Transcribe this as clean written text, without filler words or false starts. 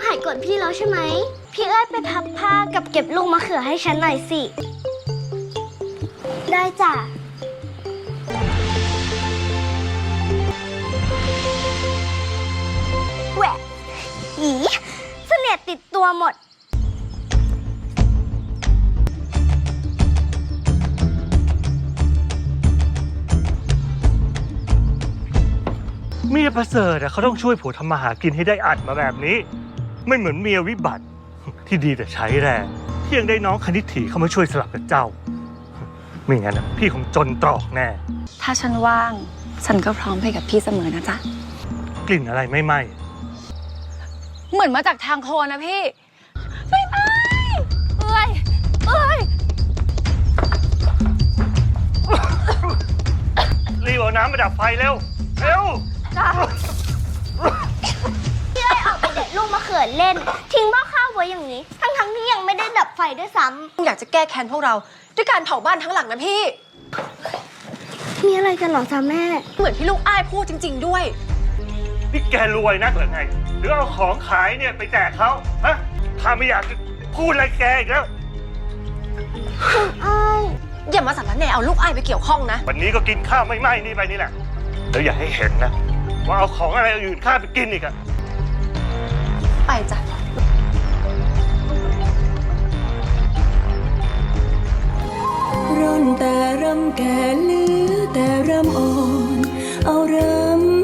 ายโกรธพี่แล้วใช่ไหมพี่เอ้ยไปพับผ้ากับเก็บลูกมะเขือให้ฉันหน่อยสิได้จ้ะแหวะอีเสนียดติดตัวหมดเมียประเสริฐเขาต้องช่วยผัวทำมาหากินให้ได้อัดมาแบบนี้ไม่เหมือนเมียวิบัติที่ดีแต่ใช้แรงที่ยังได้น้องคณิตถีเข้ามาช่วยสลับกับเจ้าไม่งั้นพี่คงจนตรอกแน่ถ้าฉันว่างฉันก็พร้อมไปกับพี่เสมอนะจ๊ะกลิ่นอะไรไม่ไหม้เหมือนมาจากทางโคนนะพี่ไม่ไหม้เอ้ยรีบเอาน้ำมาดับไฟเร็วเร็วพี่เอ้ยออกไปเด็ดลูกมะเขือเล่นทิ้งหม้อข้าวไว้อย่างนี้ทั้งที่ยังไม่ได้ดับไฟด้วยซ้ำอยากจะแก้แค้นพวกเราด้วยการเผาบ้านทั้งหลังนะพี่มีอะไรกันหรอจ๊ะแม่เหมือนที่ลูกอ้ายพูดจริงๆด้วยนี่แกรวยนักหรือไงหรือเอาของขายเนี่ยไปแจกเขาฮะถ้าไม่อยากพูดอะไรแกอีกแล้วอย่ามาสารแหน่เอาลูกอ้ายไปเกี่ยวข้องนะวันนี้ก็กินข้าวไม่ไหม้นี่ไปนี่แหละแล้วอย่าให้เห็นนะว่าเอาของอะไรอื่นข้าไปกินอีกอะไปจ้ะร่อนแต่รำแก่เหลือแต่รำอ่อนเอารำ